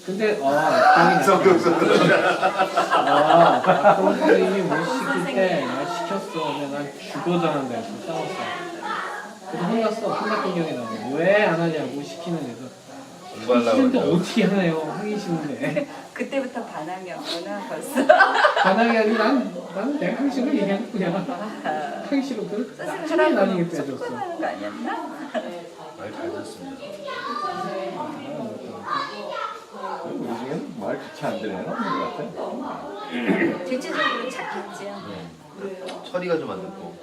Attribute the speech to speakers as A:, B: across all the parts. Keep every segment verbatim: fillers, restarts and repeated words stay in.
A: 근데 어 성경 아 박동 선생님이 못 시킬 때 나 시켰어. 근데 난 죽어자는데 서 싸웠어. 그래서 혼났어. 혼났던 기억이 나고 왜 안 하냐고 시키는 데서 시키는데 어떻게 하나요? 하기 싫은데.
B: 그때부터 반항이 없구나 벌써.
A: 반항이 아니라 난, 난 내가 하기 싫은 거 얘기하는 거야. 하기 싫어. 그 하나님 아니게 빼줬어.
B: 하는 거 아니었나?
C: 말 잘 듣습니다.
D: 요즘에는 말 그렇게 안 들어요? 것 같아.
B: 대체적으로 착했지요.
C: 처리가 좀 안 듣고.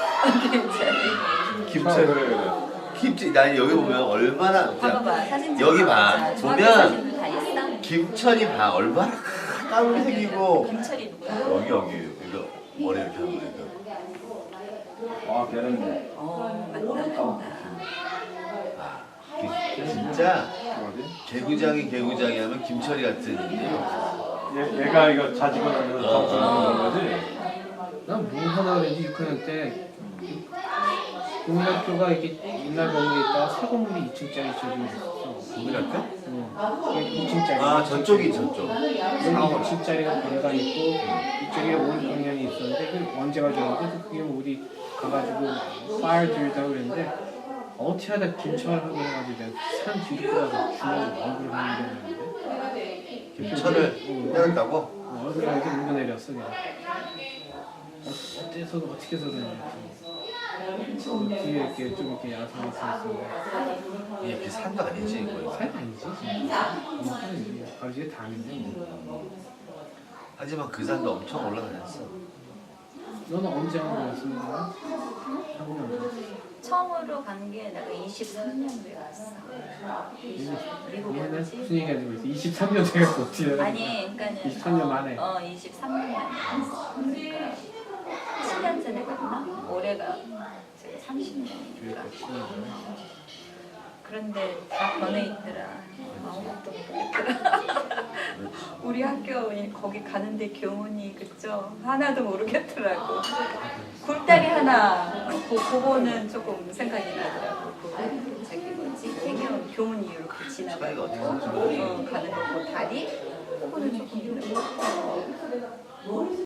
B: 괜찮아.
C: 김철
D: 그래 그래.
C: 김치 난 여기 보면 얼마나
B: 봐봐봐 사진
C: 여기
B: 찍어
C: 봐.
B: 보자.
C: 보면
B: 사진도 다 있어?
C: 김철이 봐 얼마나 까만색이고
B: 김철이 누구야?
C: 여기 여기 이거 머리 이렇게 하는 거 이거.
D: 아 걔는
B: 어 맞다 맞다.
C: 아, 그- 진짜
D: 뭐지?
C: 개구장이 개구장이 하면 김철이 같은.
D: 얘 얘가 이거 자지고 나면
C: 어,
D: 덮치는
C: 어.
D: 거지.
A: 난 뭐 하나 그랬지 육 학년 때 국민학교가 이렇게 옛날 건물에 있다가 새 건물이 이 층짜리 저기 있었어.
C: 국민학교?
A: 어, 이 층짜리.
C: 아 저쪽이 저쪽.
A: 여기 이 층짜리가 공간 있고 이쪽에 원강연이 있었는데 그 언제 가져왔는데 그게 뭐 어디 가가지고 파일 들다고 그랬는데 어떻게 하다 김철을 하고 해가지고 내가 산 뒤로 가서 주먹을 얼굴을 하는데
C: 김철을 때렸다고?
A: 어, 얼굴에 이렇게 물고 내렸어 그냥. 어, 어때서도 어떻게서든 어, 뒤에 이렇게 좀 이렇게 야상이 있었는데
C: 이게 그 산도 아니지 이거.
A: 살 아니지 진짜. 뭐 산이지. 바로 이제 다 아닌데 뭐.
C: 하지만 그 산도 엄청 올라다녔어.
A: 너는 언제 한 거였습니까? 한국 남자.
B: 처음으로 간 게 내가 이십삼 년도에 갔어. 미국
A: 얘는
B: 어디지?
A: 무슨 얘기 하지고 있어? 이십삼 년 돼서 어떻게 해야 돼?
B: 아니 그러니까는
A: 이십삼 년 만에.
B: 어 이십삼 년 만에 갔어. 그러니까 칠 년 전에 갔나? 올해가 지금 삼십 년이니까. 그런데 다 변해 있더라. 아무것도 모르겠더라. 우리 학교 거기 가는데 교문이 그죠? 하나도 모르겠더라고. 굴다리 하나 그, 그거는 조금 생각이 나더라고. 그 저기 뭐지? 태교 교문이 이렇게 지나가고
C: 차이가 어떻게
B: 어, 가는 거 그 다리? 그거는 조금 있는 것 같아.